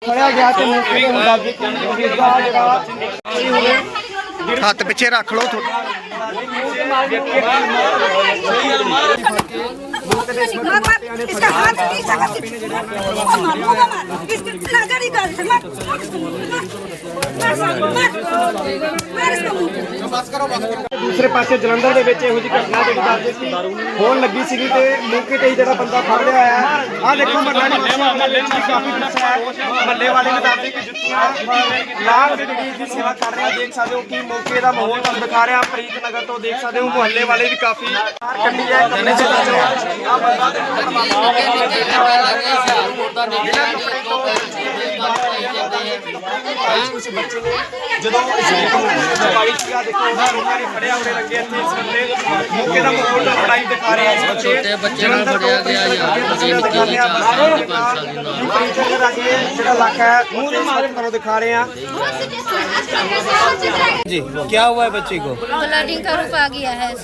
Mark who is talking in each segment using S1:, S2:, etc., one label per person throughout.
S1: फड़िया गया तो मौके के मुताबिक इसका जरा
S2: हाथ पिछे रख लो थोड़ा।
S3: इसका हाथ
S1: दूसरे पासे जलंधर ਦੇ ਵਿੱਚ ਇਹੋ ਜਿਹੀ ਘਟਨਾ ਜਿਹੜੀ ਦੱਸਦੇ ਸੀ ਹੋਣ ਲੱਗੀ ਸੀਗੀ ਤੇ ਮੌਕੇ ਤੇ ਹੀ ਜਿਹੜਾ ਬੰਦਾ ਫੜ ਲਿਆ ਹੈ। ਆਹ ਦੇਖੋ ਮਹੱਲਾ ਮਹੱਲੇ ਚ ਕਾਫੀ ਗੁੱਸਾ ਹੈ। ਮਹੱਲੇ ਵਾਲੇ ਨੇ ਦੱਸਦੇ ਕਿ ਜੁੱਤੀਆਂ ਲਾਗ ਦੇ ਜਿਹੜੀ ਦੀ ਸੇਵਾ ਕਰ ਰਿਹਾ। ਦੇਖ ਸਕਦੇ ਹੋ ਕਿ ਮੌਕੇ ਦਾ ਮਾਹੌਲ ਤੁਹਾਨੂੰ ਦਿਖਾ ਰਿਹਾ। ਪ੍ਰੀਤ ਨਗਰ ਤੋਂ ਦੇਖ ਸਕਦੇ ਹੋ ਮੁਹੱਲੇ ਵਾਲੇ ਵੀ ਕਾਫੀ ਕੱਢੀ ਹੈ। ਕਹਿੰਦੇ ਚਲੋ ਆਹ ਬੰਦਾ ਦੇਖੋ ਜਦੋਂ ਸਫਾਈ ਸੀਗਾ ਦੇਖੋ ਲੋਕਾਂ ਨੇ ਫੜਿਆ ਹੋਣੇ ਲੱਗੇ ਇੱਥੇ ਇਸ ਬੰਦੇ ਮੌਕੇ ਦਾ ਮਾਹੌਲ ਲੜਾਈ ਦਿਖਾ ਰਹੇ ਆ।
S4: ਛੋਟੇ ਬੱਚੇ ਨੂੰ ਫੜਿਆ ਗਿਆ ਯਾਰ
S1: ਜਿਹੜਾ ਇਲਾਕਾ ਹੈ ਉਹਦੇ ਮਾਰੇ ਤੁਹਾਨੂੰ ਦਿਖਾ ਰਹੇ ਆ।
S2: जी क्या हुआ है बच्चे को?
S3: ब्लडिंग का रूप आ गया है।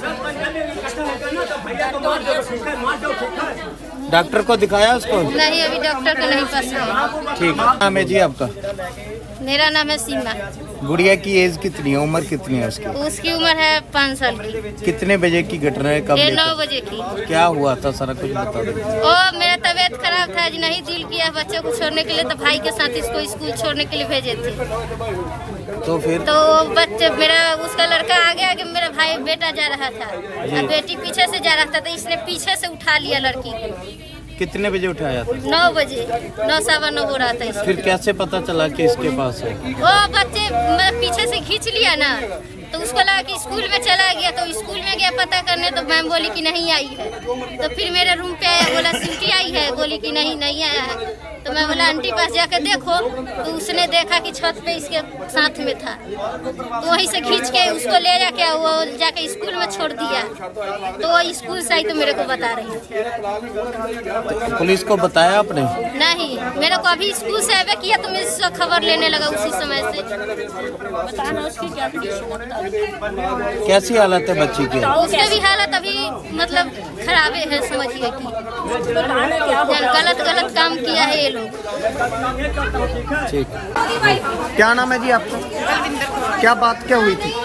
S2: डॉक्टर को दिखाया उसको?
S3: नहीं, अभी डॉक्टर के नहीं पास है।
S2: ठीक है। नाम है जी आपका?
S3: मेरा नाम है सीमा।
S2: गुड़िया की एज कितनी है, उम्र कितनी है उसकी?
S3: उसकी उम्र है 5 साल की।
S2: कितने बजे की घटना है, कब?
S3: 9 बजे की।
S2: क्या हुआ था सारा कुछ बता दो।
S3: ओ मेरा तबीयत खराब था, आज नहीं दिल किया बच्चे को छोड़ने के लिए, तो भाई के साथ इसको स्कूल छोड़ने के लिए भेजे थे।
S2: तो फिर
S3: तो बच्चे मेरा उसका लड़का आगे आगे मेरा भाई बेटा जा रहा था और बेटी पीछे से जा रहा था, तो इसने पीछे से उठा लिया लड़की को।
S2: कितने बजे उठाया था?
S3: 9 बजे 9 सवा 9 हो रहा था इसको।
S2: फिर कैसे पता चला कि इसके पास है?
S3: वो बच्चे पीछे से खींच लिया ना, तो उसको लगा कि स्कूल में चला गया, तो स्कूल में गया पता करने, तो मैम बोली कि नहीं आई है। तो फिर मेरे रूम पे आया, बोला सिमटी आई है, बोली कि नहीं नहीं आया है। तो मैं बोला आंटी पास जाकर देखो, तो उसने देखा कि छत पे इसके साथ में था, तो वहीं से खींच के उसको ले जाके वो जाके स्कूल में छोड़ दिया। तो वो स्कूल से आई तो मेरे को बता रही थी।
S2: पुलिस को बताया आपने?
S3: नहीं, मेरे को अभी स्कूल से आवे किया तो मैं इससे खबर लेने लगा उसी समय से। बताना उसकी क्या
S2: कैसी हालत है बच्ची की?
S3: उसके भी हालत अभी मतलब खराब है, समझिए कि गलत गलत काम किया है ये लोग।
S2: ठीक। क्या नाम है जी आपका? क्या बात क्या हुई थी?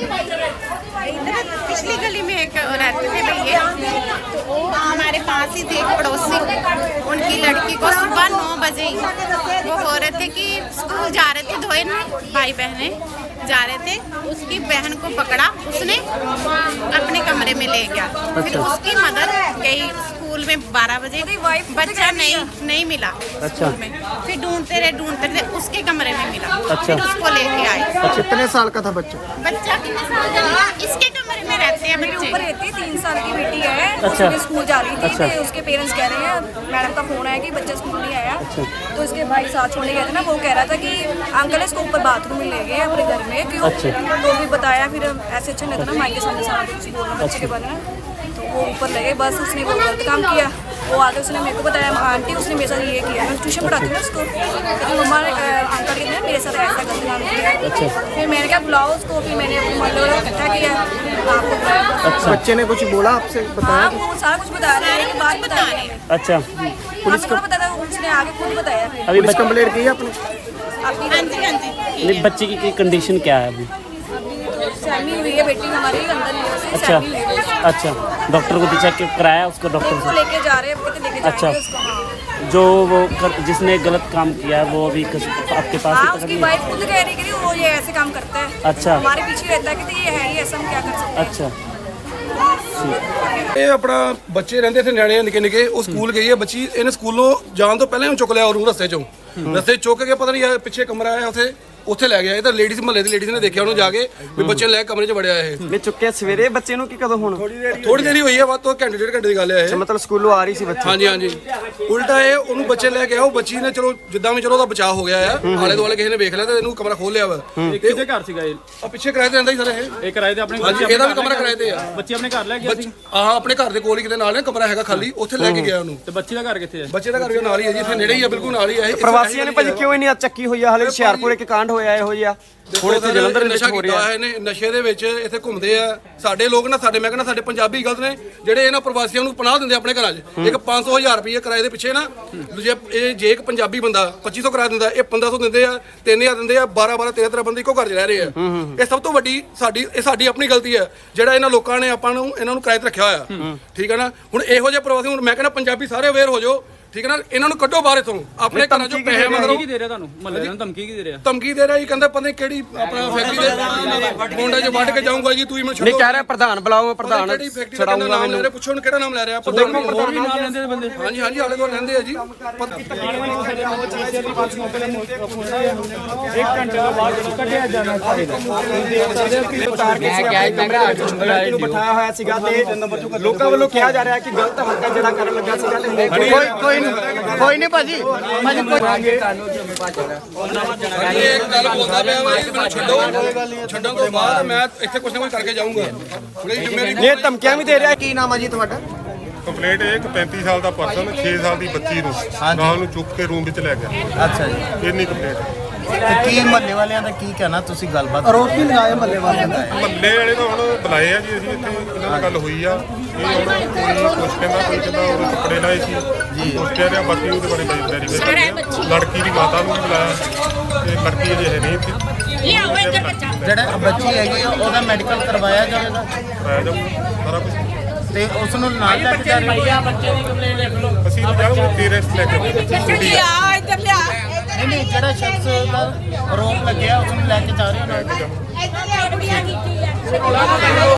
S5: पिछली गली में एक रहते थे भैया, तो हमारे पास ही थे एक पड़ोसी। उनकी लड़की को सुबह 9 बजे ही वो हो रहे थे कि स्कूल जा रहे थे, धोए ना भाई बहने जा रहे थे, उसकी बहन को पकड़ा, उसने अपने कमरे में ले गया। फिर उसकी मदर गई स्कूल में 12 बजे, बच्चा नहीं मिला स्कूल में। फिर ढूंढते रहे उसके कमरे में मिला। फिर उसको लेके आए।
S2: कितने साल का था बच्चा?
S5: बच्चा कितने साल का? इसके कमरे में रहते हैं बच्चे।
S6: ऊपर रहती है, 3 साल की बेटी है। उसके स्कूल जा रही थी तो उसके पेरेंट्स कह रहे हैं, मैडम का फोन आया कि बच्चा स्कूल नहीं आया। तो उसके भाई साथ छोड़ने गए थे ना, वो कह रहा था कि अंकल इसको ऊपर बाथरूम में ले गए अपने घर में। क्यों? तो भी बताया, फिर ऐसे अच्छा नहीं था ना माइक के सामने कुछ बोलना बच्चे के बारे में। तो वो ऊपर ले गए, बस उसने वो गलत काम किया। वो आगे उसने मेरे को बताया, आंटी उसने मेरे साथ ये किया। मैं ट्यूशन पढ़ाती हूँ उसको, लेकिन मम्मा ने अंकल के मेरे साथ ऐसा गलत काम किया। फिर मैंने क्या बुलाओ उसको, फिर मैंने अपने मोहल्ले वालों को इकट्ठा किया, आपको बुलाया।
S1: बच्चे ने कुछ बोला आपसे?
S6: हाँ, वो सारा कुछ बता रहे हैं, बात बता रहे हैं।
S2: अच्छा,
S6: पुलिस को पता था, उसने आगे खुद बताया। फिर
S1: अभी बस कंप्लेंट की आपने?
S6: आपकी
S5: हाँ जी।
S7: बच्चे की कंडीशन क्या है अभी?
S6: सहमी हुई है बेटी हमारी, अंदर ही है उसे,
S7: अच्छा
S6: सहमी हुई है।
S7: अच्छा, डॉक्टर को चेक कराया उसको? डॉक्टर
S6: उसको
S7: से
S6: लेके जा रहे हैं, कहते लेके जाएंगे
S7: अच्छा।
S6: उसको। हाँ,
S7: जो वो जिसने गलत काम किया है वो अभी आपके पास
S6: हाँ,
S7: ही
S6: उसकी
S7: पकड़
S6: वाइफ खुद कह रही है कि वो ये ऐसे काम करता है।
S7: अच्छा।
S6: हमारे पीछे रहता है कि ये है ही ऐसा, हम क्या कर सकते हैं।
S7: अच्छा।
S8: ਇਹ ਆਪਣਾ ਬੱਚੇ ਰਹਿੰਦੇ ਇੱਥੇ ਨਿਆਣੇ ਨਿੱਕੇ ਨਿੱਕੇ, ਉਹ ਸਕੂਲ ਗਈ ਹੈ ਬੱਚੀ। ਇਹਨੇ ਸਕੂਲੋਂ ਜਾਣ ਤੋਂ ਪਹਿਲਾਂ ਹੀ ਚੁੱਕ ਲਿਆ ਉਹਨੂੰ ਰਸਤੇ ਚੋਂ ਚੁੱਕ ਕੇ, ਪਤਾ ਨਹੀਂ ਪਿੱਛੇ ਕਮਰਾ ਆਇਆ ਉੱਥੇ ਲੈ ਗਿਆ। ਇਹ ਤਾਂ ਲੇਡੀਜ਼ ਮਹੱਲੇ ਦੀ ਲੇਡੀਜ਼ ਨੇ ਦੇਖਿਆ ਉਹਨੂੰ ਜਾ ਕੇ ਵੀ ਬੱਚੇ ਲੈ ਕਮਰੇ 'ਚ ਵੜਿਆ ਇਹ।
S1: ਮੈਂ ਚੁੱਕਿਆ ਸਵੇਰੇ ਬੱਚੇ ਨੂੰ ਕਿ ਕਦੋਂ? ਹੁਣ
S8: ਥੋੜੀ ਦੇਰੀ ਹੋਈ ਹੈ, ਵੱਧ ਤੋਂ ਘੰਟੇ 1.5 ਘੰਟੇ ਦੀ ਗੱਲ ਹੈ ਇਹ।
S1: ਮਤਲਬ ਸਕੂਲੋਂ ਆ ਰਹੀ ਸੀ ਬੱਚੀ?
S8: ਹਾਂਜੀ ਹਾਂਜੀ। ਉਲਟਾ ਇਹ ਉਹਨੂੰ ਬੱਚੇ ਲੈ ਕੇ ਆਇਆ, ਉਹ ਬੱਚੀ ਨੇ ਚਲੋ ਜਿੱਦਾਂ ਵੀ ਚਲੋ ਉਹਦਾ ਬਚਾਅ ਹੋ ਗਿਆ ਆ। ਆਲੇ ਦੁਆਲੇ ਕਿਸੇ ਨੇ ਵੇਖ ਲਿਆ ਤੇ ਇਹਨੂੰ ਕਮਰਾ ਖੋਲ ਲਿਆ ਵਾ।
S7: ਕਿਹਦੇ ਘਰ ਸੀਗਾ ਇਹ?
S8: ਆ ਪਿੱਛੇ ਕਿਰਾਏ ਤੇ ਰਹਿੰਦਾ ਹੀ ਸਰ ਇਹ
S7: ਕਿਰਾਏ ਤੇ ਆਪਣੇ?
S8: ਹਾਂਜੀ, ਇਹਦਾ ਵੀ ਕਮਰਾ ਕਿਰਾਏ ਤੇ ਆ।
S7: ਬੱਚੇ ਆਪਣੇ ਘਰ ਲੈ ਗਿਆ ਸੀ?
S8: ਹਾਂ, ਆਪਣੇ ਘਰ ਦੇ ਕੋਲ ਹੀ ਕਿਤੇ ਨਾਲ ਕਮਰਾ ਹੈਗਾ ਖਾਲੀ, ਉੱਥੇ ਲੈ ਕੇ ਗਿਆ ਉਹਨੂੰ।
S7: ਤੇ ਬੱਚੇ ਦਾ ਘਰ ਕਿੱਥੇ ਹੈ?
S8: ਬੱਚੇ ਦਾ ਘਰ ਵੀ ਨਾਲ ਹੀ ਹੈ ਜੀ, ਇੱਥੇ ਨੇੜੇ ਹੀ ਆ, ਬਿਲਕੁਲ ਨਾਲ ਹੀ ਹੈ।
S1: ਪ੍ਰਵਾਸੀਆਂ ਨੇ ਭਾਜੀ ਕਿਉਂ ਇੰਨੀ ਚੱਕੀ ਹੋਈ ਆ? ਹਾਲੇ ਹੁਸ਼ਿਆਰਪੁਰ ਇੱਕ ਕਾਂਡ ਹੋਇਆ ਇਹੋ ਜਿਹਾ ਹੁਣ ਇੱਥੇ ਜਲੰਧਰ ਵਿੱਚ
S8: ਨਸ਼ਾ
S1: ਹੋ
S8: ਕੀਤਾ
S1: ਰਿਹਾ
S8: ਹੋਇਆ ਇਹਨੇ, ਨਸ਼ੇ ਦੇ ਵਿੱਚ ਇੱਥੇ ਘੁੰਮਦੇ ਆ ਸਾਡੇ ਲੋਕ ਨਾ, ਸਾਡੇ ਮੈਂ ਕਹਿੰਦਾ ਸਾਡੇ ਪੰਜਾਬੀ ਗਲਤ ਨੇ ਜਿਹੜੇ ਇਹਨਾਂ ਪ੍ਰਵਾਸੀਆਂ ਨੂੰ ਪਨਾਹ ਦਿੰਦੇ ਆਪਣੇ ਘਰਾਂ 'ਚ। ਇੱਕ 500,000 ਰੁਪਏ ਕਿਰਾਏ ਦੇ ਪਿੱਛੇ ਨਾ, ਜੇ ਇੱਕ ਪੰਜਾਬੀ ਬੰਦਾ 2500 ਕਿਰਾਇਆ ਦਿੰਦਾ, ਇਹ 1500 ਦਿੰਦੇ ਆ, 3000 ਦਿੰਦੇ ਆ, 12 13 ਬੰਦੇ ਇੱਕੋ ਘਰ 'ਚ ਰਹਿ ਰਹੇ ਆ। ਇਹ ਸਭ ਤੋਂ ਵੱਡੀ ਸਾਡੀ ਆਪਣੀ ਗਲਤੀ ਹੈ ਜਿਹੜਾ ਇਹਨਾਂ ਲੋਕਾਂ ਨੇ ਇਹਨਾਂ ਨੂੰ ਕਿਰਾਏ ਤੇ ਰੱਖਿਆ ਹੋਇਆ। ਠੀਕ ਹੈ ਨਾ, ਹੁਣ ਇਹੋ ਜਿਹੇ ਪ੍ਰਵਾਸੀ, ਹੁਣ ਮੈਂ ਕਹਿੰਦਾ ਪੰਜਾਬੀ ਸਾਰੇ ਅਵੇਅਰ ਹੋ ਜਾਓ। ਠੀਕ ਹੈ ਨਾ, ਇਹਨਾਂ ਨੂੰ ਕੱਢੋ ਬਾਹਰ ਇਥੋਂ, ਆਪਣੇ ਘਰਾਂ ਚੋਂ ਪੈਸੇ ਮਗਰੋਂ।
S9: ਕੀ ਦੇ ਰਿਹਾ ਤੁਹਾਨੂੰ ਮਹੱਲੇ ਨੂੰ ਧਮਕੀ ਕੀ ਦੇ ਰਿਹਾ?
S8: ਧਮਕੀ ਦੇ ਰਿਹਾ ਜੀ, ਕਹਿੰਦਾ ਪਤਾ ਨਹੀਂ ਕਿਹੜੀ ਆਪਣਾ ਫੈਕਟਰੀ ਦੇ ਮੁੰਡੇ 'ਚ ਵੱਢ ਕੇ ਜਾਊਂਗਾ ਜੀ, ਤੁਸੀਂ ਮੈਨੂੰ ਛੱਡੋ।
S1: ਨਹੀਂ ਕਹਿ ਰਿਹਾ ਪ੍ਰਧਾਨ ਬੁਲਾਓ, ਮੈਂ ਪ੍ਰਧਾਨ
S8: ਕਿਹੜੀ ਫੈਕਟਰੀ ਦਾ ਨਾਮ ਲੈ ਰਿਹਾ, ਪੁੱਛੋ ਉਹਨੂੰ ਕਿਹੜਾ ਨਾਮ ਲੈ ਰਿਹਾ।
S9: ਹੋਰ ਵੀ ਨਾਮ ਲੈਂਦੇ ਨੇ ਬੰਦੇ?
S8: ਹਾਂਜੀ ਹਾਂਜੀ, ਆਲੇ ਦੁਆਲੇ ਰਹਿੰਦੇ ਆ ਜੀ।
S1: ਬਿਠਾਇਆ ਹੋਇਆ ਸੀਗਾ ਤੇ ਲੋਕਾਂ ਵੱਲੋਂ ਕਿਹਾ ਜਾ ਰਿਹਾ ਕਿ ਗਲਤ ਹਰਕਤ ਜਿਹੜਾ ਕਰਨ ਲੱਗਾ ਸੀਗਾ ਤੇ
S2: ਕੋਈ ਨਹੀਂ ਭਾਜੀ
S8: ਇਹ ਇੱਕ ਗੱਲ ਬੋਲਦਾ ਪਿਆ ਵਾ, ਇਹ ਮੈਨੂੰ ਛੱਡੋ, ਛੱਡਣ ਤੋਂ ਬਾਅਦ ਮੈਂ ਇੱਥੇ ਕੁਛ ਨਾ ਕੁਛ ਕਰਕੇ ਜਾਊਂਗਾ।
S1: ਇਹ ਧਮਕੀਆਂ ਵੀ ਦੇ ਰਿਹਾ।
S2: ਕੀ ਨਾਮ ਆ ਜੀ ਤੁਹਾਡਾ?
S10: ਕੰਪਲੇਂਟ ਇਹ ਕਿ 35 ਸਾਲ ਦਾ ਪਰਸਨ 6 ਸਾਲ ਦੀ ਬੱਚੀ ਨੂੰ ਨਾਲ ਨੂੰ ਚੁੱਕ ਕੇ ਰੂਮ ਵਿੱਚ ਲੈ ਗਿਆ।
S2: ਅੱਛਾ ਜੀ,
S10: ਇੰਨੀ ਕੰਪਲੇਂਟ।
S2: ਤੇ ਕੀ ਮਹੱਲੇ ਵਾਲਿਆਂ ਦਾ ਕੀ ਕਹਿਣਾ, ਤੁਸੀਂ ਗੱਲਬਾਤ ਆਰੋਪ ਵੀ ਲਗਾਏ ਮਹੱਲੇ ਵਾਲਿਆਂ ਦਾ?
S10: ਮਹੱਲੇ ਵਾਲੇ ਤਾਂ ਹੁਣ ਬੁਲਾਏ ਆ ਜੀ, ਅਸੀਂ ਇੱਥੇ ਇਹਨਾਂ ਨਾਲ ਗੱਲ ਹੋਈ ਆ। ਇਹ ਹੁਣ ਕੋਈ ਕੁਛ ਕਹਿੰਦਾ, ਕੋਈ ਕਹਿੰਦਾ ਉਹਦੇ ਕੱਪੜੇ ਲਾਏ ਸੀ ਜੀ, ਕੁਛ ਕਹਿ ਰਿਹਾ, ਬਾਕੀ ਉਹਦੇ ਬਾਰੇ ਵੈਰੀਫਾਈ। ਲੜਕੀ ਦੀ ਮਾਤਾ ਨੂੰ ਵੀ ਬੁਲਾਇਆ, ਤੇ ਲੜਕੀ ਅਜੇ ਹੈ ਨਹੀਂ ਇੱਥੇ।
S2: ਜਿਹੜਾ ਬੱਚੀ ਹੈਗੀ ਆ, ਉਹਦਾ ਮੈਡੀਕਲ ਕਰਵਾਇਆ ਜਾਵੇਗਾ?
S10: ਕਰਾਇਆ ਜਾਊਗਾ ਸਾਰਾ ਕੁਛ।
S2: ਤੇ ਉਸ ਨੂੰ ਨਾਲ ਲੈ ਕੇ ਜਾ ਰਹੇ
S10: ਅਸੀਂ ਤਾਂ ਜਾਊਂਗੇ ਪੇਰੈਂਟਸ ਲੈ ਕੇ
S2: ਨਹੀਂ, ਜਿਹੜਾ ਸ਼ਖਸ ਦਾ ਆਰੋਪ ਲੱਗਿਆ ਉਸ ਨੂੰ ਲੈ ਕੇ ਜਾ ਰਹੇ ਹੋ ਨਾਲ?